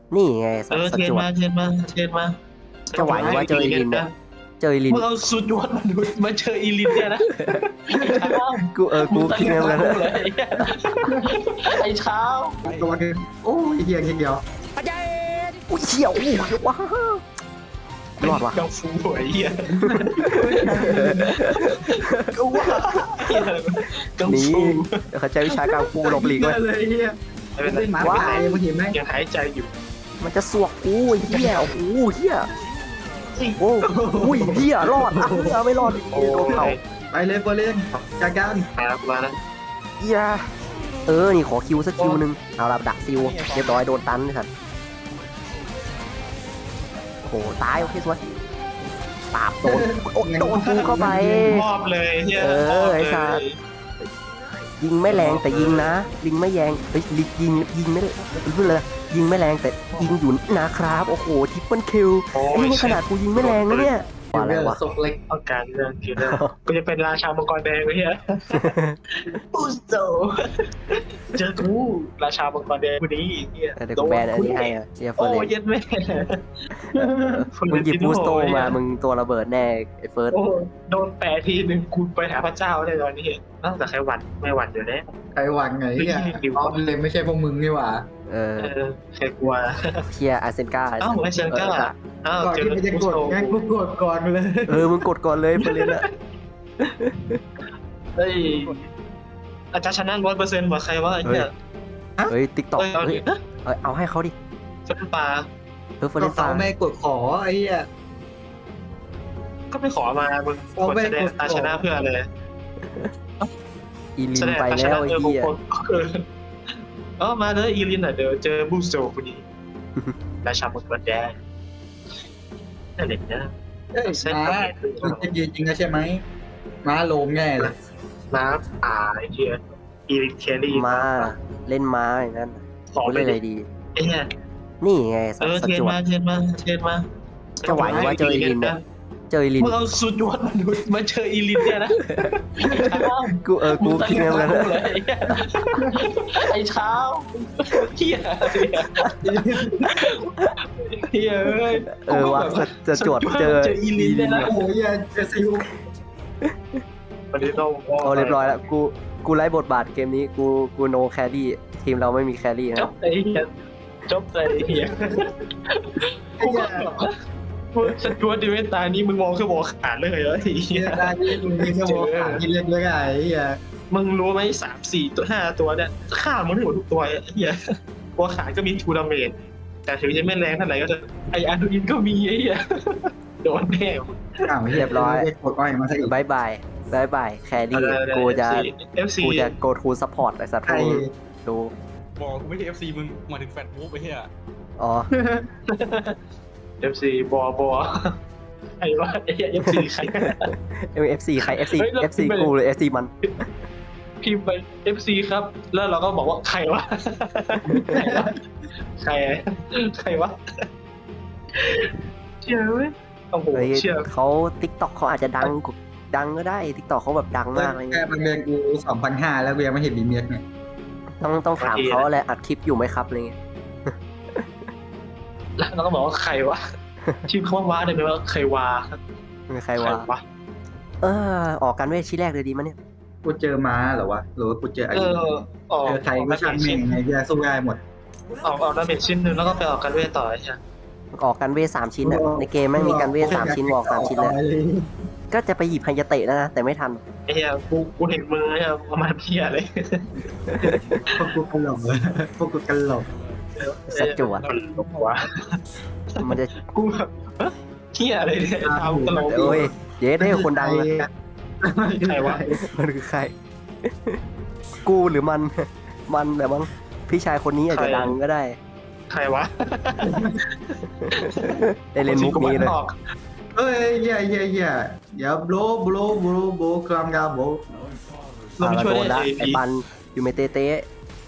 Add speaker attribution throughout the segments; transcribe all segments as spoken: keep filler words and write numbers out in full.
Speaker 1: นี่ไงส
Speaker 2: เออ
Speaker 1: ส
Speaker 2: เทรน
Speaker 1: จวด
Speaker 2: มาเทรนมาเทรนมา
Speaker 1: จะไหวว่าเจออีลินเนี่ยเจออีลิน
Speaker 2: มึงเอาสุดยอดมาดูมาเจออีลินเนี่ยนะไอ้เช้า
Speaker 1: กูเออกูคิดเหมือนกัน
Speaker 2: มึงเลยไอ้เช้า
Speaker 3: ตัวนึงโอ้ยเฮียเดียว
Speaker 1: อุ้ยเชี่ยวอู้ว้าวรอดว่ะ
Speaker 2: กังฟูไอ้เหี้ยก็ว่าเหี้ยกัง
Speaker 1: นี่
Speaker 2: ฟู
Speaker 1: เขาใช้วิชาการฟูหลบหลีก
Speaker 3: เล
Speaker 1: ไว้
Speaker 3: ยเลยเฮีย
Speaker 2: ไม่เป็นไร
Speaker 3: เป็นหมาตายมึงเห็นไหม
Speaker 2: ยังหายใจอยู่
Speaker 1: มันจะสวกอู้ยเหี้ยโอ้โหเหี้ยโอ้อุ้ยเหี้ยรอดอ่ะเหี้ยไม่รอด
Speaker 2: โอ้
Speaker 1: โดนเขา
Speaker 3: ไปเลยไปเลยจากการ
Speaker 2: ครับมาแล้ว
Speaker 1: เหี้ยเออนี่ขอคิวสักคิวนึงเอาละดักซิวเรียบร้อยโดนตันเลยครับโอ้โหตายโอเคสวยปราบโดนโอ้โดนกูเข้าไป
Speaker 2: มอบเลยเฮีย
Speaker 1: เออไอ้สัตว์ ยิงไม่แรงแต่ยิงนะยิงไม่แรงเฮ้ยลิยิงยิงไม่พูดเลยยิงไม่แรงแต่ยิงอยู่นะครับโอ้โหทิปเปิลคิว
Speaker 2: โอ้
Speaker 1: ไอ้
Speaker 2: ย
Speaker 1: นี่ขนาดกูยิงไม่แรงนะเนี่ยว่าอะไรวะ
Speaker 3: ศกเล็ก
Speaker 2: ต้องการเรื่องคิวเลอร์กูจะเป็นราชามังกรแดงไอ้เฮียอุสโตเจอกูราชามังกรแดงคนนี้เฮีย
Speaker 1: เดี๋ยวกูแบนอันนี้ให้อะเฮียเฟิ
Speaker 2: โอ้
Speaker 1: ร์ส
Speaker 2: ยเย็ดแม่
Speaker 1: มึงหยิบบูสโตมามึงตัวระเบิดแน่ไอ้เฟิร์ส
Speaker 2: โอ้โดนแปะทีหนึ่งกูไปหาพระเจ้าได้ตอนนี้นอกจากใครหวั่นไม่หวั่นอยู่แล้ว
Speaker 3: ไอ้หวังไงเฮียอ๋อเลยไม่ใช่พวกมึงนี่หว่า
Speaker 1: เออ
Speaker 2: เออใครกลัว
Speaker 1: เทียอาร์เซนกา
Speaker 2: เอ้าไอเซนก้าอ้าว
Speaker 3: ก่อน
Speaker 2: เจอ
Speaker 3: ที่มันจะ
Speaker 2: กู
Speaker 3: กด
Speaker 2: โต
Speaker 3: งั้นกูกดก่อนเลย
Speaker 1: เออมึงกดก่อนเลยเฟิร์สอะ
Speaker 2: เฮ้ยอาจารย์ชนะร้อยเปอร์เซ็นต์ว่าใครว่าไอ้เนี่ย
Speaker 1: เฮ้ยติ๊กต็อก
Speaker 2: เฮ้ยเอา
Speaker 1: เฮ้
Speaker 2: ดิ
Speaker 1: ยเอ้ยเอาให้เขาดิ
Speaker 2: เฟนปลา
Speaker 1: เออเฟิร์
Speaker 3: ก็
Speaker 1: ส
Speaker 3: เขา
Speaker 1: ตา
Speaker 3: ไม่กดขอไอ้เฮีย
Speaker 2: ก็ไปขอมามึง
Speaker 3: เอา
Speaker 2: คน
Speaker 3: ไม่
Speaker 2: แสดง
Speaker 3: กด
Speaker 2: ตาชนะเพื่ออะไร
Speaker 1: อีลิ
Speaker 2: แส
Speaker 1: น
Speaker 2: ดง
Speaker 1: ไป
Speaker 2: ตาช
Speaker 1: แล้
Speaker 2: นะ
Speaker 1: วไอ้
Speaker 2: เออ
Speaker 1: เหี้ย
Speaker 2: คนเออเออมาเลยอีลินอ่ะเดี๋ยวเจอบูสโตคนนี้ราชามังกรแดงนั่นเองนะ
Speaker 3: เอ้ยม้ามันจะยืนจริงนะใช่ไหมม้าโลมแง่เลย
Speaker 2: มาป่าไอ้เหี้ยอีลินแครี่
Speaker 1: มาเล่นม้าอย่างนั้น
Speaker 2: ขอ
Speaker 1: กู
Speaker 2: ไป
Speaker 1: เล่น
Speaker 2: เล
Speaker 1: อะไร
Speaker 2: ย
Speaker 1: ดี
Speaker 2: ไอ้เนี่ย
Speaker 1: นี่ไงส
Speaker 2: เออ
Speaker 1: ส
Speaker 2: เทรน
Speaker 1: จวด
Speaker 2: มาเทรนมาเทรนมา
Speaker 1: จะไหวว่าเจออีลินเนี่ย เจออีลิน
Speaker 2: มึงเอาสุดยอดมาดูมาเจออีลินเนี่ยนะ
Speaker 1: กูเออกูคิดเหมือนกัน
Speaker 2: มึงเลยไอ้เช้าเฮียเฮียเอ้ย
Speaker 1: เออว่าจะจะจวดเจอ
Speaker 2: เจออีลินเนี่ยนะ
Speaker 3: โอ้ยเจซิว
Speaker 2: วันนี้ต้อง
Speaker 1: โอ้เรียบร้อยแล้วกูกูไล่บทบาทเกมนี้กูกูโนแครี่ทีมเราไม่มีแครี่
Speaker 2: จ
Speaker 1: นะ
Speaker 2: บไอ้เฮียจบไอ้เฮีย
Speaker 3: ไอ้เฮีย
Speaker 2: สจวตดิเวนตานี้มึงมองแค่บอกขาดเลยเหรอไอ้เฮี
Speaker 3: เฮี
Speaker 2: ย
Speaker 3: ยได้ที่มึงมีแค่บอกขากินเล็กเลยไงไอ้เฮีย
Speaker 2: มึงรู้ไหมสามสี่ตัวห้าตัวเนี่ยฆ่ามันทั้งหมดทุกตัวไอ้เฮียตัวขาดก็มีทูดาเมจแต่ถึงจะไม่แรงเท่าไหร่ก็จะไออาร์ดูอินก็มีไอ้เฮียโดนแน่
Speaker 3: อ้าวเรียบร้อยกดอ้อยมาซะอีก
Speaker 1: บายบายบายบายแครี่กูจะ
Speaker 2: เอฟซี
Speaker 1: กูจะ go to support ไอ้สัตว์
Speaker 3: ไอ้
Speaker 1: ดู
Speaker 4: บอกกูไม่ใช่ เอฟ ซี มึงมาถึงแฟตวูฟไปเฮีย
Speaker 1: อ๋อ
Speaker 2: เอฟซีบอบอไอ้ว่าไอ้เอฟซีใคร
Speaker 1: เอฟซีใคร เอฟ ซี
Speaker 2: เฮ้ยแล้ว
Speaker 1: เอฟ ซี
Speaker 2: ไป
Speaker 1: กูหรือ เอฟ ซี มัน
Speaker 2: พิมพ์ไปเอฟซีครับ แล้วเราก็บอกว่าใครวะใครวะใครใครวะเชื่อเว้ยโอ้โห
Speaker 1: เฮ้ย
Speaker 2: เชื่อ
Speaker 1: เขา TikTok เขาอาจจะดังกว่าดังก็ได้ TikTok เขาแบบดังมากอะไร
Speaker 3: แค่
Speaker 1: เงี้ย
Speaker 3: บางเดือนกูสองพันห้าแล้วเวียไม่เห็นมีเมียเนี่ย
Speaker 1: ต้องต้องถามเขาแหละอัดคลิปอยู่ไหมครับอะไรเงี้ย
Speaker 2: แล้วเราก็บอกว่าใครวะชื่อเขาว่าได้ไหมว่าใครวะ
Speaker 1: มีใครว่า
Speaker 2: วะ
Speaker 1: เออ ออกกันเวทชิ้นแรกเลยดีมั้ยเนี่ย
Speaker 3: กูเจอม้าเหรอวะหรือว่ากูเจอไอ้
Speaker 2: เออออก
Speaker 3: เจอใครก็ช่างแม่งไงเฮียสู้ได้หมด
Speaker 2: ออกออกดาเมจชิ้นหนึ่งแล้วก็ไปออกกันเวทต่อใช่ไหม
Speaker 1: ออกกันเวทสามชิ้นอะในเกมแม่งมีกันเวทสามชิ้นออกสามชิ้นเลยก็จะไปหยิบไฮยาเตะแล้วนะแต่ไม่ทัน
Speaker 2: ไอ้เหี้ยกูกูเห็นมือเนี่ยประมาณเพี้ยเลย
Speaker 3: พวกกูกันหลงเลยพวกกูกันหลง
Speaker 1: สัจจวด
Speaker 2: มันลบหัว
Speaker 1: มันจะ
Speaker 2: กูแบบเฮ้ยเหี้ยอะไรเนี่ยทำตลก
Speaker 1: โอ้ยเย้ได้คนดังเลย
Speaker 2: ใครวะ
Speaker 1: มันคือใคร กูหรือมัน มันแบบว่าพี่ชายคนนี้อาจจะดังก็ได้
Speaker 2: ใครวะ
Speaker 1: ได้เล่นมุกนี้เลย
Speaker 2: ออก
Speaker 3: เอ้ยเฮียเฮียเฮียอย่าโบลโบลโบลโบคลามกาโบ
Speaker 2: ลง
Speaker 1: อ่า
Speaker 2: มาช่วย
Speaker 1: โดน
Speaker 2: ได้
Speaker 1: ละ
Speaker 2: ไอ้
Speaker 1: ไอ้
Speaker 2: พี
Speaker 1: ปันอยู่เมเตเตะ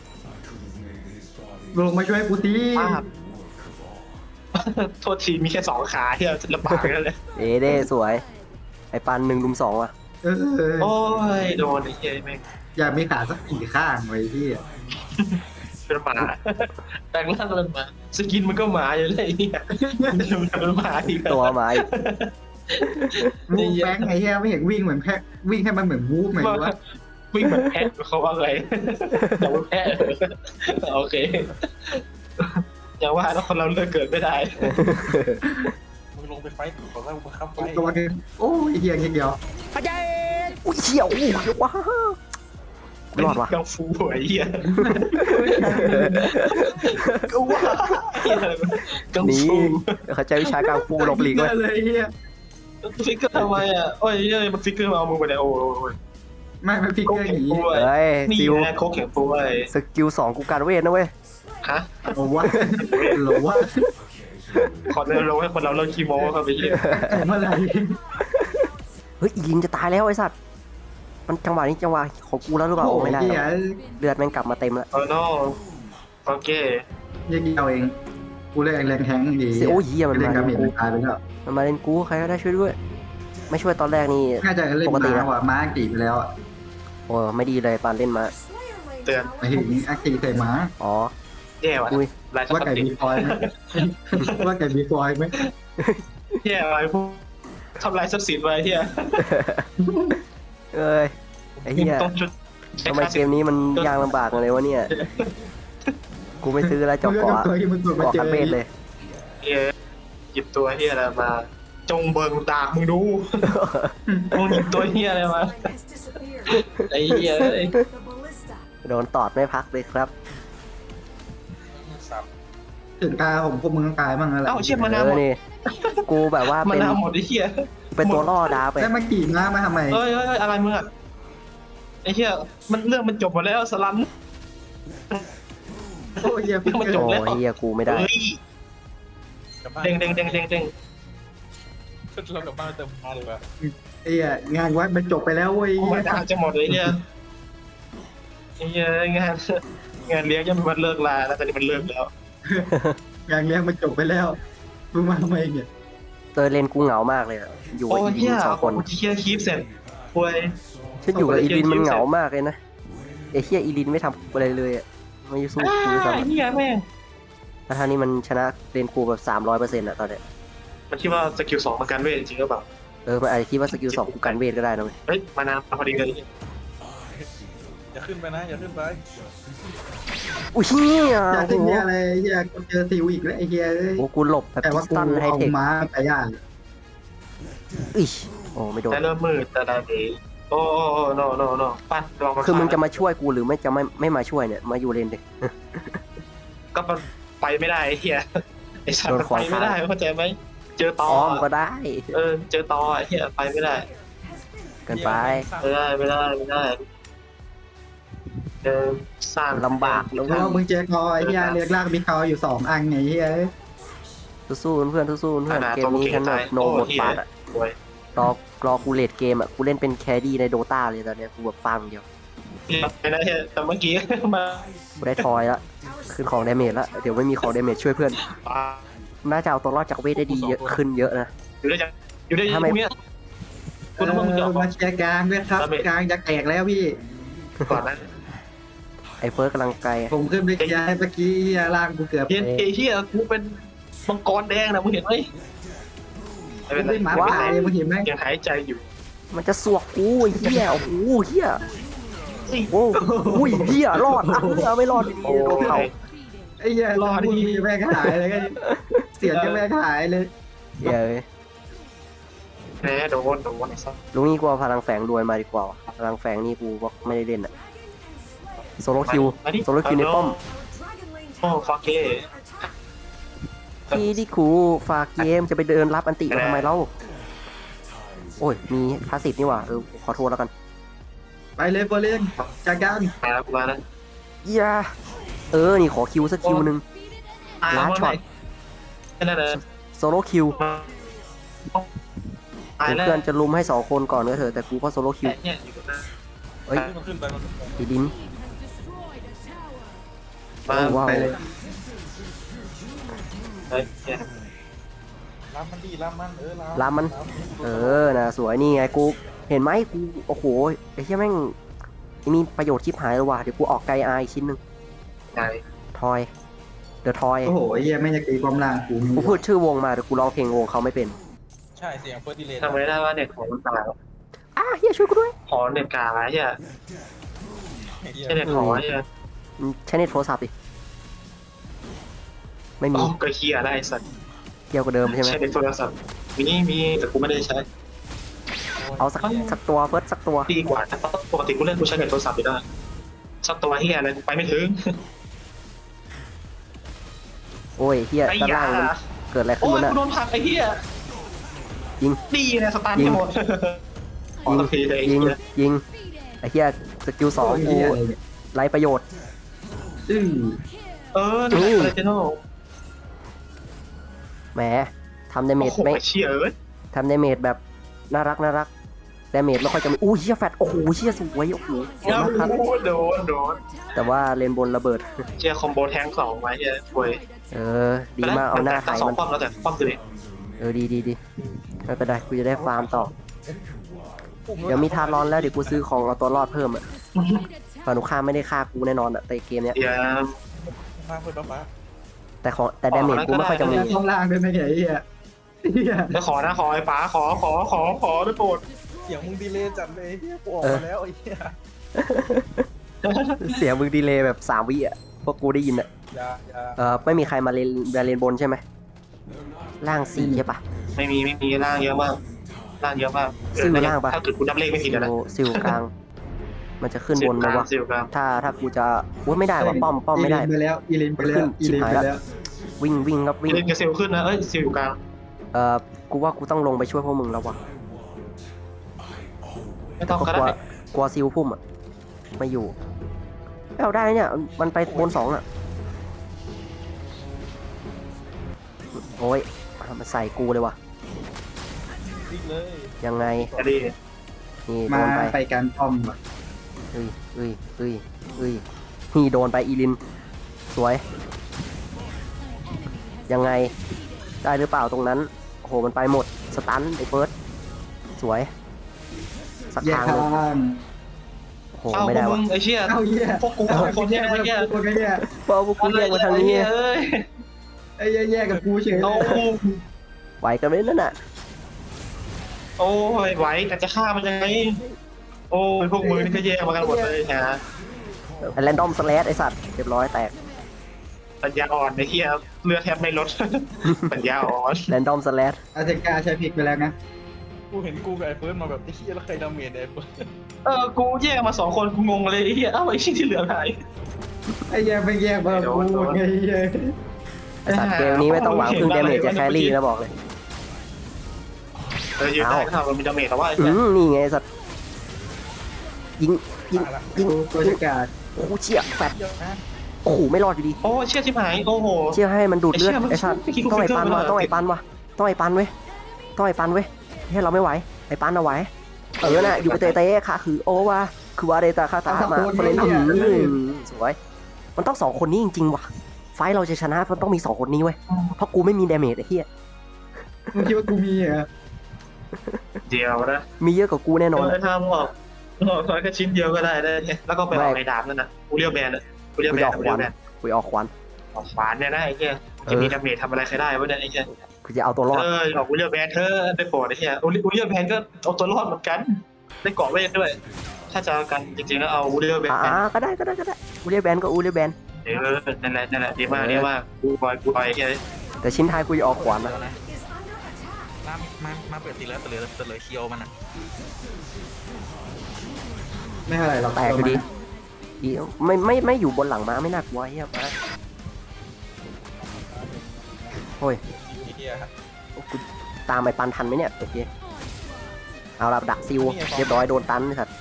Speaker 3: ลงมาช่วยกูที
Speaker 2: ป้าบโทษทีมีแค่สองขาที่เราลำบากกันเลย
Speaker 1: เอเด้สวย ไอ้ปันหนึ่งลุมสองว่ะ
Speaker 3: เออ
Speaker 2: โอ้ยโดนไอ้เหี้ยแม่ง
Speaker 3: อยากมีขาสักสี่ข้างไว้พี่
Speaker 2: เป็นหมาแปลงร่างเป็นหมาสกินมันก็หมาอยู่เลยไอ้เนี่ยเป็นหมาอีก
Speaker 1: ตัวไม้
Speaker 3: วูบแบงค์ไอ้เหี้ยไม่เห็นวิ่งเหมือนแพะวิ่งให้มันเหมือนวูบเหมือนว่า
Speaker 2: วิ่งเหมือนแพะเขาว่าไงแต่ว่าแพะโอเคอย่างว่าแล้วคนเราเลือกเกิดไม่ได้
Speaker 4: มึงลงไปไฟต์ขอแล้วมึงข้ามไฟ
Speaker 3: ตัวนึงโอ้ยเหี้ยแค่เดียว
Speaker 1: อาจารย์อุ้ยเชี่ยวอุ้ยว้าวรอดว่ะ
Speaker 2: กังฟูไอ้เหี้ยก็ว่ากัง
Speaker 1: นี่
Speaker 2: ฟู
Speaker 1: เขาใจวิชากังฟูหลบหลีก
Speaker 3: เล
Speaker 1: เว้ย
Speaker 3: ยเลยเหี้ย
Speaker 2: ฟิกเกอร์ทำไมอ่ะโอ้ยเฮ้ยมันฟิกเกอร์มาเอามือไปเลยโอ้ย
Speaker 3: ไม่ไม่ฟิก
Speaker 2: โค
Speaker 3: เกอร์
Speaker 2: แข็
Speaker 3: ห
Speaker 2: ง
Speaker 3: นี
Speaker 2: ฟูไอ้
Speaker 1: เฮ้ย
Speaker 2: นี่
Speaker 1: ซิว
Speaker 2: นะโคแข็งฟูไอ้
Speaker 1: สกิลสองกูการเวทนะเว้ย
Speaker 2: ฮะ
Speaker 3: หรอวะหรอวะ
Speaker 2: ขอเดินลงให้คนเราเลิกคีโมเข้าไปเหี้ย
Speaker 3: เมื่อไหร่
Speaker 1: เฮ้ยอีลินจะตายแล้วไอ้สัตว์มันจังหวะนี้จังหวะของกูแล้วหรือเปล่าโอ้ไม่ได้หร
Speaker 3: เหี้
Speaker 1: อย กเลือดแม่งกลับมาเต็มแล้ว
Speaker 2: โอ้โนโอเค
Speaker 3: เหี้ยเดียวเองกูเล่นแรงแทงดี
Speaker 1: เสียโอ้ยเหี้ยมัน
Speaker 3: เล่
Speaker 1: มาน
Speaker 3: กา
Speaker 1: เล่
Speaker 3: เม
Speaker 1: น
Speaker 3: จ
Speaker 1: กู
Speaker 3: มันตายไปแล้ว
Speaker 1: มันมาเล่นกูใครก็ได้ช่วยด้วย ไม่ช่วยตอนแรกนี่
Speaker 3: น่าจะเล่น
Speaker 1: ปกติ
Speaker 3: ม้า
Speaker 1: นะ
Speaker 3: ว่ะม้าอังกฤษไปแล้วอะ
Speaker 1: โอ้ไม่ดีเลยปานเล่นมา
Speaker 2: เตือน
Speaker 3: หมายถึงอังกฤษใส่ม้า
Speaker 1: อ๋อ
Speaker 2: แย่ว่ะ
Speaker 1: อุ้ย
Speaker 2: ลายส
Speaker 3: ว่า
Speaker 2: กั
Speaker 3: ไก่
Speaker 2: ดติ
Speaker 3: มีฟอยไหมว่าไก่มีฟอยไหม
Speaker 2: แย่อะไรพวกทำลายทรัพย์สินไว้เฮีย
Speaker 1: เอ้ยไอ้เหี้ย
Speaker 2: ต้องชุด
Speaker 1: ทำไมเกมนี้มันยากลำบากเลยวะเนี่ยกูไม่ซื้อแล้วจอกเกาะ
Speaker 3: ตัวที่มึงกดมา
Speaker 1: เกาะ
Speaker 3: เจ
Speaker 1: คั
Speaker 3: อน
Speaker 1: เบสเลย
Speaker 2: เฮียหยิบตัวเฮียอะไรมา จงเบิงตามึงดูมึงหยิบตัวเฮียอะไรมาไอ้เฮียเอ้ย
Speaker 1: โดนตอดไม่พักเลยครับ
Speaker 4: สับ
Speaker 3: ถึงตาผมพวกมึงต้องตายบ้างแล้วแหละ
Speaker 2: เอ้าเชี่ยมา
Speaker 1: เอ
Speaker 2: นาหม
Speaker 1: อ
Speaker 2: ด
Speaker 1: นี่กูแบบว่า
Speaker 2: มา
Speaker 1: เป็น
Speaker 2: นาหมดไอ้เฮีย
Speaker 1: เป็นตัวล่อดาวไป
Speaker 3: แล้วมากี่ม้ามาทำไม
Speaker 2: เอ้ยเอ้ยเอ้ยอะไรมึงอะไอ้เฮียมันเรื่องมันจบหมดแล้วสลัน
Speaker 3: โอ้ยเหี้ยฟิก
Speaker 2: มัน
Speaker 3: เกอ
Speaker 2: จ
Speaker 3: ร์
Speaker 2: บ
Speaker 1: โอ้เฮียกูไม่ได้
Speaker 2: เฮ้ย
Speaker 4: กลับบ้าน
Speaker 2: เด้งเด้งเด้งเด้งเด้ง
Speaker 4: เรากลับบ้านเติมพาเลยว่ะ
Speaker 3: ไอ้เหี้ยงานวัดมันจบไปแล้วเว้ย
Speaker 2: โอ้มาดาจะหมดเลยเนี่ยไอ้เฮียงานงานเลี้ยงยังไม่วันเลิกลาแล้วตอนนี้มันเลิกแล้ว
Speaker 3: งานเลี้ยงมันจบไปแล้วมึงมาทำไมเนี่ย
Speaker 1: เตยเลนกูเหงามากเลยอะอยู่
Speaker 2: โอ้
Speaker 1: กับอี
Speaker 2: เฮี
Speaker 1: ลิ
Speaker 2: ย
Speaker 1: นสองคน
Speaker 2: เฮียคีฟเสร็จป่วย
Speaker 1: ฉันอยู่กับอีลินมันเหงามากเลยนะไอ้เฮียอีลินไม่ทำอะไรเลยอะไม่สู้กูด้วยซ้
Speaker 2: ไอ้เฮียแม่ง
Speaker 1: ำแล้วท่านี้มันชนะเลนกูแบบสามร้อยเปอร์เซ็นต์อะตอนเนี้ย
Speaker 2: มันคิดว่าสกิลสองมันกันเวทจริงหรือเปล่า
Speaker 1: เออมันอาจจะคิดว่าสกิลสองกูกันเวทก็ได้นะเว้ย
Speaker 2: เฮ้ยมานาพอดีเลย
Speaker 4: อย่าขึ้นไปนะอย่าขึ้นไป
Speaker 1: อุ้ยเฮีย
Speaker 3: อยาก
Speaker 1: โอ้
Speaker 3: จะ
Speaker 1: โห
Speaker 3: เหี้ยอะไรเหี้ยกูเจอซิวอีกแล้วไอ้เหี้ยเอ้ย
Speaker 1: โอ้กูหลบแบบ
Speaker 3: แต่
Speaker 1: พิ
Speaker 3: ว่า
Speaker 1: ส
Speaker 3: กู
Speaker 1: ตันไฮ
Speaker 3: เอา
Speaker 1: เทค
Speaker 3: ม้าไปย่าง
Speaker 1: อิชโอ้ไม่โดน
Speaker 2: แต่เริ่มมืดแต่ละดีโอ้โอ้โอ้โนโนโนปัดลองมา
Speaker 1: คือมึงจะมาช่วยกูหรือไม่จะไม่ไม่มาช่วยเนี่ยมาอยู่เลนเด็
Speaker 2: ก็มันไปไม่ได้ไอ้เฮียไอ้สัตว์
Speaker 1: โดน
Speaker 2: มัน
Speaker 1: ขวา
Speaker 2: ไป
Speaker 1: ง
Speaker 2: ไม่ได้เข้าใจไหมเจอตอ
Speaker 1: อ้อมก็ได้
Speaker 2: เออเจอตอไอ้เฮียไปไม่ได้
Speaker 1: เกินไป
Speaker 2: ไม่ได้ไม่ได้ไม่ได้เออสร้าง
Speaker 1: ลำบาก
Speaker 2: แล้ว
Speaker 3: แล้วมึงเจอคอไอ้เหี้ยเรียกลากมีคออยู่สองอันไงเหี้ย
Speaker 1: สู้ๆเพื่อนสู้ๆเพื่อนเกมนี้ฉันแบบโนหมดบาทอะ
Speaker 2: ป่วย
Speaker 1: รอรอกูเลดเกมอะกูเล่นเป็นแคดี้ในโดตาเลยตอนเนี้ยกูแบบฟาร์มอย่างเดียว
Speaker 2: ไม่ได้แต่เมื่อกี้มา
Speaker 1: กูได้ทอยละขึ้นของดาเมจละเดี๋ยวไม่มีของดาเมจช่วยเพื่อน
Speaker 2: ปา
Speaker 1: น่าจะเอาตัวรอดจากเวทได้ดีเยอะขึ้นเยอะนะ
Speaker 2: อยู่ได้ยังอยู่ได้ยัง
Speaker 1: ทำไม
Speaker 2: พวกเนี้ย
Speaker 3: เอ
Speaker 2: คุณต้องมึงจะ
Speaker 3: อ
Speaker 2: ออก
Speaker 3: มาเชียร์กลางด้วยครับกลางจะแตกแล้วพี่
Speaker 2: ก่อนนั้น
Speaker 1: ไอ้เฟิร์สกำลังไกล
Speaker 3: ผมขึ้นไปเคลียร์ให้เมื่อกี้เหี้ยล่างกูเกือบ
Speaker 2: เฮียเอเฮียกูเป็นมังกรแดงนะมึงเห็นไหมไม่
Speaker 3: กู
Speaker 2: เป็นไร
Speaker 3: เป็นหมาป่าเลยมึงเห็นไหม
Speaker 2: ยังหายใจอยู่
Speaker 1: มันจะสวกกูไอ้เหี้ยโอ้โหเหี้ยโอ้อุ้ยเหี้ยรอดอ่ะเหี้ยไม่รอดดี
Speaker 2: โอ้
Speaker 1: โดนเผา
Speaker 3: ไอ้เหี้ยรอพูดจะแม่งหายเลยก็เสียงจะแม่งหายเลย
Speaker 1: เหี้ยเอ้ย
Speaker 2: แพ้โดนโดนไอ้สัส
Speaker 1: ลุงนี่กูเอาพลังแฝงรวยมาดีกว่าว่ะพลังแฝงนี่กูบอกไม่ได้เล่นอะโซโลคิวโซโลคิวในป้อม
Speaker 2: โอ้ฟาเก้
Speaker 1: พี่ที่ครูฝากเกมจะไปเดินรับอันติมาทำไมเล่าโอ้ยมีพาสซีฟนี่หว่าเออขอโทษแล้วกัน
Speaker 3: ไปเลยโบเลียนจากการ
Speaker 2: มามานะ
Speaker 1: อย่าเออนี่ขอคิวสักคิวหนึ่ง ล้านช็อต
Speaker 2: แค่นั้นเลย
Speaker 1: โซโลคิว
Speaker 2: ตายแล้ว
Speaker 1: เพื่อนจะลุมให้สองคนก่อนก็เถอะแต่กูก็โซโลคิว
Speaker 2: เนี่ยอยู่ตรงนั้น
Speaker 1: เฮ้ย
Speaker 4: มันขึ้นไปมันขึ้นไป
Speaker 1: อีดิน
Speaker 2: มา
Speaker 1: โอ้ว้าว
Speaker 3: ไปเลย
Speaker 2: เฮ้ยเนี่ย
Speaker 4: ล้ำมันดีล้ำมันเออล้ำ
Speaker 1: ลามมัน เออนะสวยนี่ไงกูเห็นไหมกูโอ้โหไอ้เหี้ยแม่งมีประโยชน์ชิบหายเลยว่ะเดี๋ยวกูออกไกลอาอีกชิ้นหนึ่ง
Speaker 2: ไหน
Speaker 1: ทอยเดอะทอย
Speaker 3: โอ้โหไอ้เหี้ยไม่อยากตีความล่างกู
Speaker 1: กูพูดชื่อวงมาแต่กูร้องเพลงวงเขาไม่เป็น
Speaker 4: ใช่เสียงเฟิร์สดีเลย์
Speaker 2: ทำไม่ได้ว่าเน็ตของมันตาย
Speaker 1: อ่ะเฮียช่วยกูด้วย
Speaker 2: ขอเน็ตกลางไอ้เหี้ยใช่เน็ตของไอ้เหี้ย
Speaker 1: อืมใช้เน็ตโทรศัพท์ดิไม่มี
Speaker 2: อ๋อก็เฮียได้สัตว์
Speaker 1: เกี่ยวกับเดิมใช่ไหม
Speaker 2: ใช้เน็ตโทรศัพท์มีนี่มีแต่กูไม่ได้ใช้
Speaker 1: เอาสักสักตัวเฟิร์สสักตัว
Speaker 2: ดีกว่าแต่ปกติกูเล่นกูใช้เน็ตโทรศัพท์อยู่ได้สักตัวเฮียอะไรกูไปไม่ถึง
Speaker 1: โอ้ยเฮีย
Speaker 2: ไอ้
Speaker 1: ด้าน
Speaker 2: ยา
Speaker 1: ล่างมันเกิดอะไรขึ้
Speaker 2: โอ้
Speaker 1: น
Speaker 2: ยว
Speaker 1: ะ
Speaker 2: กู
Speaker 1: น่ะ
Speaker 2: โดนผลักไอ้เฮีย
Speaker 1: ยิง
Speaker 2: ดีนะสตาร์ทให้หมดขอ
Speaker 1: ยิง
Speaker 2: สักทีเลยไอ้
Speaker 1: ยิง
Speaker 2: เฮีย
Speaker 1: ยิงไอ้เฮียสกิลสองกู
Speaker 3: เหี้ยอะไรเนี่ย
Speaker 1: ไร้ประโยชน์
Speaker 3: อื้อ
Speaker 2: เออนี่อะไรเจโน่
Speaker 1: แหมทำดาเม
Speaker 2: โอ้
Speaker 1: จ
Speaker 2: โห
Speaker 1: ไม่
Speaker 2: เชี่ยเอ้ย
Speaker 1: ทำดาเมจแบบน่ารักน่ารักดาเมจไม่ค่อยจะมีอู้เฮียแฟตโอ้โหเฮียสวยโอ้โหสวยมากครับ
Speaker 2: โดนโดน
Speaker 1: แต่ว่าเลนบนระเบิด
Speaker 2: เชียร์คอมโบแทงสองไว้เฮียป่วย
Speaker 1: เออดีมากเอาหน้าไทย
Speaker 2: สอง
Speaker 1: มัน
Speaker 2: ป้อมแล้วแต่ป้อมตัวเอง
Speaker 1: เออดีดีดีไม่เป็นไรกูจะได้ฟาร์มต่อเดี๋ยวมีทารอนแล้วเดี๋ยวกูซื้อของเอาตัวรอดเพิ่มอ่ะฝั่งนุข้ามไม่ได้ฆ่ากูแน่นอนอ่ะแต่เกมเนี้ย
Speaker 2: เดี๋ยว
Speaker 4: ฟ้าเฟิร์สฟ้า
Speaker 1: แต่ของแต่ดาเมจกูไม่ค่อยจะมี
Speaker 3: ข้างล่างด้วยนะไอ้เหี้ยเหี้ย
Speaker 2: จะขอนะขอไอ้ป๋าขอขอขอขอด้วยโปรด
Speaker 4: เสียงมึงดีเลย์จัดเลยเฮียกูออกมาแล้วไอ้เหี้ย
Speaker 1: เสียงมึงดีเลยแบบสามวิอ่ะพวกกูได้ยินอ่ะ
Speaker 4: อย่าอย่า
Speaker 1: เออไม่มีใครมาเลนมาเลนบนใช่ไหมล่างสี่ใช่ปะ
Speaker 2: ไม่มีไม่มีร่างเยอะมากร่างเยอะมาก
Speaker 1: ซิลล่างปะ
Speaker 2: ถ้าเกิดกูนับเลขไม่ผิด
Speaker 1: ซิ
Speaker 2: นะ
Speaker 1: ลซิลกลาง มันจะขึ้นบนไหมวะ
Speaker 2: ซิลกลาง
Speaker 1: ถ้าถ้ากูจะอุ้ยไม่ได้ว่ะป้อมป้อมไม่ได้
Speaker 3: อีลินไปแล้วอีลินไปแล้วอีลินไปแล้ว
Speaker 1: วิ่งวิ่งครับวิ่ง
Speaker 2: เล่นกับซิลขึ้นนะเอ้ยซิลอยู่กลาง
Speaker 1: เออกูว่ากูต้องลงไปช่วยพวกมึงแล้ววะ
Speaker 2: ไม่ต้อง
Speaker 1: ก็
Speaker 2: ก็
Speaker 1: กลัว
Speaker 2: ได้
Speaker 1: กลัวซิลพุ่มอ่ะไม่อยู่เอาได้เนี่ยมันไปบนสองอ่ะโอ้ยมันใส่กูเลยวะ
Speaker 4: วิ่งเลย
Speaker 1: ยังไง
Speaker 2: จะดี
Speaker 1: นี่โด
Speaker 3: มาน
Speaker 1: ไป
Speaker 3: ไปการป้อมว่ะ
Speaker 1: เอ้ยเอ้ยเอ้ยเอ้ยนี่โดนไปอีลินสวย ยังไงได้หรือเปล่าตรงนั้นโอ้โหมันไปหมดสตันไอ้เฟิร์สสวยสัก
Speaker 3: แยก
Speaker 1: ทาง
Speaker 3: ทา
Speaker 1: เลย
Speaker 3: ง
Speaker 1: โอ้โห
Speaker 2: เอ้าพ
Speaker 1: ไม่
Speaker 2: ว
Speaker 1: ได้
Speaker 2: กมึ
Speaker 1: วะ
Speaker 2: งไอ้เชี่ย
Speaker 3: เอ้าเหี้ย
Speaker 2: พวกกูสองคนเนี่ยไอ้เหี้ย
Speaker 3: คนไอ้เหี้ย
Speaker 1: เพราะพวกกูเรียกมาทางนี้
Speaker 2: เอ้ย
Speaker 3: ไอ้เหี้ยแยกกับกูเฉย
Speaker 2: เอา
Speaker 1: ไหวกันไหมนั่นน่ะ
Speaker 2: โอ้ยไหวแต่จะฆ่ามันยังไงโอ้ยพวกมึงนี่ก็แย่มากันหมดเลยฮะ
Speaker 1: แรนดอมสแลชไอสัตว์เรียบร้อยแตก
Speaker 2: ปัญญาอ่อนไอ้เหี้ยเลือดแทบไม่ลด ปัญญาอ่อน
Speaker 1: แรนดอมสแลช
Speaker 3: อาเซกาใช้พริกไปแล้วนะ
Speaker 4: กูเห็นกูกับไอ้เฟิร์สมาแบบไอ้เหี้ยแล้วใครดาเมจไอ้เฟิร์ส
Speaker 2: เออกูแยกมาสองคนกูงงเลยไอ้เหี้ยเอ้าไอ้ชิ้นที่เหลือหาย
Speaker 3: ไอ้เหี้ยไปแยกมากูไงเหี้ย
Speaker 1: ไอสัตว์เกมนี้ไม่ต้องหวังพึ่งดาเมจจะแครี่นะบอกเลย
Speaker 2: เออยืนได้ก็ทำมันมีดาเมจแต่ว่าไอ้
Speaker 1: อื
Speaker 2: เหี้ย
Speaker 1: มนี่ไงไอ้สัตว์ยิงยิงยิง
Speaker 3: ตัวจักร
Speaker 1: โอ้โหเชี่ยแฟด
Speaker 4: เดี๋ยวนะ
Speaker 1: โอ้โหไม่รอดอยู่ดี
Speaker 2: โอ้เชี่ยชิบหายโอ้โห
Speaker 1: เชี่ยให้มันดูดเลือด
Speaker 2: ไอ้
Speaker 1: ไอ้
Speaker 2: เชี่
Speaker 1: สั
Speaker 2: ย
Speaker 1: ตว์
Speaker 2: มัน
Speaker 1: ต้องไอ้ปัน
Speaker 2: มัน
Speaker 1: วะต้องไอ้ปันวะต้องไอ้ปันเว้ยต้องไอ้ปันเว้ยให้เราไม่ไหวไอ้ปันเอาไหวเออน่ะอยู่กับเตะเตะค่ะคือโอวะคือว่าเดตาคาตามาคนเล่นอืมสวยมันต้องสองคนนี้จริงๆว่ะไฟเราจะชนะมันต้องมีสองคนนี้เว้ยเพราะกูไม่มีดาเมจไอ้เหี้ย
Speaker 3: มึงคิดว่ากูมีเหรอ
Speaker 2: เดียวนะ
Speaker 1: มีเยอะกว่ากูแน่นอน
Speaker 2: เออทำออกออกแค่ชิ้นเดียวก็ได้ได้เนี่ยแล้วก็ไปออกไอ้ดาบนั่นนะกูเรียกแบนอ่ะกูเรียก
Speaker 1: กู
Speaker 2: แบ
Speaker 1: จะ
Speaker 2: น
Speaker 1: ออก
Speaker 2: กู
Speaker 1: ค
Speaker 2: เรีย
Speaker 1: วั
Speaker 2: ก
Speaker 1: น
Speaker 2: แบน
Speaker 1: กูจะออกควัน
Speaker 2: ออกขวานเนี่ยนะไอ้เหี้ยจะมีดาเมจทำอะไรใครได้วะเนี่ยไอ้เหี้ย
Speaker 1: กูจะเอาตัวรอด
Speaker 2: เออออกกูเรียกแบนเธอได้โปรดไอ้เหี้ยกูเรียกแบนก็เอาตัวรอดเหมือนกันได้เกาะเวทด้วย ถ้าจะกันจริงๆแล้วเอากูเรียกแบน
Speaker 1: อ่าก็ได้ก็ได้ก็ได้อูเรียแบนก็อูเรียแบน
Speaker 2: เออนั่นแหละนั่นแหละดีมากดีมากกูบอยกูบอยไอ้เหี้ย
Speaker 1: แต่ชิ้นท้ายกูจะออกขวานนะ
Speaker 4: มามามาเปิดตีแล้วเปิดเลยเปิดเลยเคียวมันอ่ะ
Speaker 3: ไม่เท่าไหร่หรอก
Speaker 1: แตกอยู่ดีดีไม่ไม่ไม่อยู่บนหลังม้าไม่น่ากลัวเฮียม้าโอ้ย
Speaker 4: ไอ้เหี้ย
Speaker 1: กูตามไปปันทันไหมเนี่ยโอเคเอาละดักซิวเรียบร้อยโดนตันสัตว์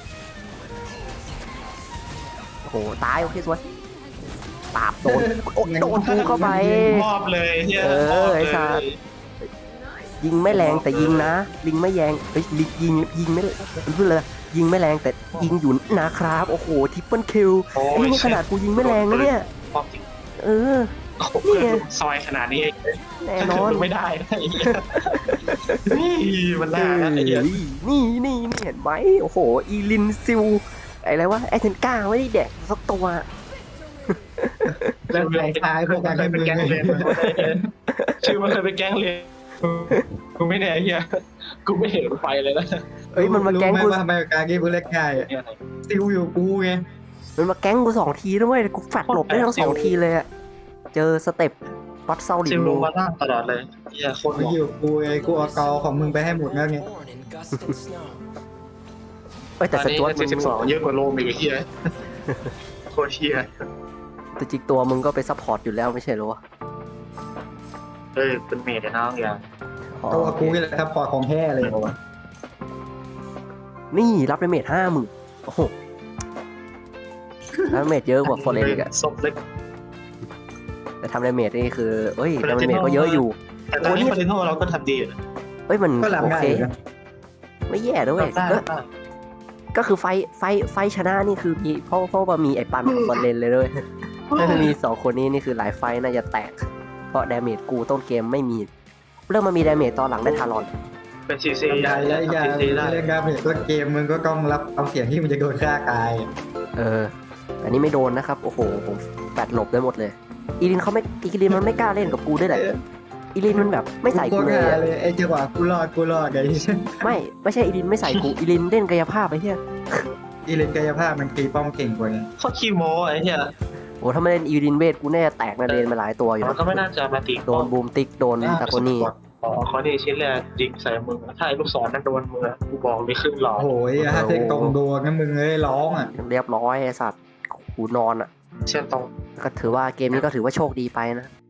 Speaker 1: โอ้โหตายโอเคสวยปราบโดนโอ้โดนกูเข้าไป
Speaker 2: มอบเลยเหี้ย
Speaker 1: เออ
Speaker 2: มอบ
Speaker 1: ไอ้
Speaker 2: เล
Speaker 1: สัตว์
Speaker 2: ย
Speaker 1: ยิงไม่แรงแต่ยิงนะลิงไม่แยงเฮ้ยลิงยิงยิงไม่มันพูดเลยยิงไม่แรงแต่ยิงอยู่นะครับโอ้โหทิปเปิลคิว
Speaker 2: โอ้
Speaker 1: ไอ้
Speaker 2: ย
Speaker 1: นี่ขนาดกูยิงไม่แรงนะเนี่ย
Speaker 2: มอบจริง
Speaker 1: เออ
Speaker 2: โอ้โหเพื่อนซอยขนาดนี้
Speaker 1: แน่นอน
Speaker 2: ไม่ได้นะไอ้เหี้ยนี่มันน่านะไอ้เหี้ย
Speaker 1: นี่นี่นี่เห็นไหมโอ้โหอีลินซิลอะไรวะไอเทนก้าไม่ได้แดกสักตัว
Speaker 3: แล้วใครทายพวกกัน
Speaker 2: เค
Speaker 3: ให้
Speaker 2: ย
Speaker 3: มึ
Speaker 2: เป็น
Speaker 3: ง
Speaker 2: แก๊งเรียนชื่อมันเคยเป็นแก๊งเรียนกูไม่แน่เฮียกูไม่เห็นไฟเลยนะ
Speaker 1: เอ้ยมันมาแก๊ง
Speaker 3: รู้
Speaker 1: กู
Speaker 3: ไหว่าทำไมการเกมมึงเล่นง่ายอะซิลอยู่กูไง
Speaker 1: มันมาแก๊งกูสองทีด้วยกูแฟดหลบได้ทั้งสองทีเลยอะเจอสเต็ปวัดเซาหลิ
Speaker 2: ซิ
Speaker 1: น
Speaker 2: ลล
Speaker 1: มู
Speaker 2: งมาล่างตลอดเลยเฮียโคตรห
Speaker 3: มึ
Speaker 2: ล่
Speaker 3: ง
Speaker 2: อ
Speaker 3: อยู่กูไงกูเอาเกาของมึงไปให้หมดแล้วไง
Speaker 1: เอ้ยแต่
Speaker 2: ตอน
Speaker 1: ส
Speaker 2: นี้
Speaker 1: จวตมึ
Speaker 2: เจ็ด
Speaker 1: ง
Speaker 2: สิบสองเยอะกว่าโลมอีกเฮียโคตรเฮีย
Speaker 1: แต่จริงตัวมึงก็ไปซัพพอร์ตอยู่แล้วไม่ใช่เหรอวะ
Speaker 2: เอ้ยเป็นเมดน้องอย่าง
Speaker 1: อ๋อ
Speaker 3: ตัวกูนี่แหละครับปอดของแท้เลย
Speaker 1: นี่รับดาเมจห้าหมื่นโอ้โหรับดาเมจเยอะกว่าฟอร์เรนอีกอะ
Speaker 2: ศพเล็ก
Speaker 1: แต่ทำดาเมจนี่คือเอ้ยดาเมจก็เยอะอยู่
Speaker 2: แต่ตอนนี้ฟาเรนโนเราก็ทำดีนะ
Speaker 1: เอ้ยมัน
Speaker 3: ก็หลับ
Speaker 1: โอ
Speaker 3: ง่าย
Speaker 1: เค
Speaker 3: อยู่นะ
Speaker 1: ไม่แย่ด้วย
Speaker 2: ได้
Speaker 1: ก็
Speaker 2: ได้
Speaker 1: ก็คือไฟไฟไฟชนะนี่คือมีเพราะเพราะว่ามีไอ้ปันกับฟอร์เรนเลยด้วยถ้ามันมีสองคนนี้นี่คือหลายไฟน่าจะแตก เพราะดาเมจกูต้นเกมไม่มีเริ่มมามีดาเมจตอนหลังได้ทารอน
Speaker 2: เป็นซีซี
Speaker 3: ได้แล้วอย่า
Speaker 2: ซีซีได้
Speaker 3: เล่นการเห็นต้นเกมมึงก็ต้องรับเอาเสียงที่มันจะโดนฆ่าตาย
Speaker 1: เอออันนี้ไม่โดนนะครับโอ้โหผมแปดหลบได้หมดเลย อีลินเขาไม่อีลินมันไม่กล้าเล่นกับกูด้วยแหละอีลินมันแบบไม่ใส่กูเลย
Speaker 3: โคตร
Speaker 1: อะ
Speaker 3: ง่ายเลยไอ้จังหวะกูรอดกูรอดไง
Speaker 1: ไม่ไม่ใช่อีลินไม่ใส่กูอีลินเล่นกายภาพไปเฮีย
Speaker 3: อีเลนกายภาพมันตีป้อมเก่งกว่าไง
Speaker 2: เขาขี้โม้ไอ้เหี้ย
Speaker 1: โอ้ถ้าไม่เล่นอีลินเวทกูแน่แตกนาเดนมาหลายตัวอยู่
Speaker 2: มัน
Speaker 1: นะ
Speaker 2: ก็ไม่น่าจะมาตี
Speaker 1: โดนบูมติ๊กโดนตาโกนี่
Speaker 2: อ๋อเขาดีชิ้นแรกยิงใส่มือถ้าไอ้ลูกศรนั้นโดนมือกูบอกเลยขึ้นหลอด
Speaker 3: โอ้โหถ้าเทคตรงโดนงั้นมึงเอ้ยร้องอ่ะ
Speaker 1: เรียบร้อยไอ้สัตว์กูนอนอ่ะ
Speaker 2: เช่นตรง
Speaker 1: ก็ถือว่าเกมนี้ก็ถือว่าโชคดีไปนะ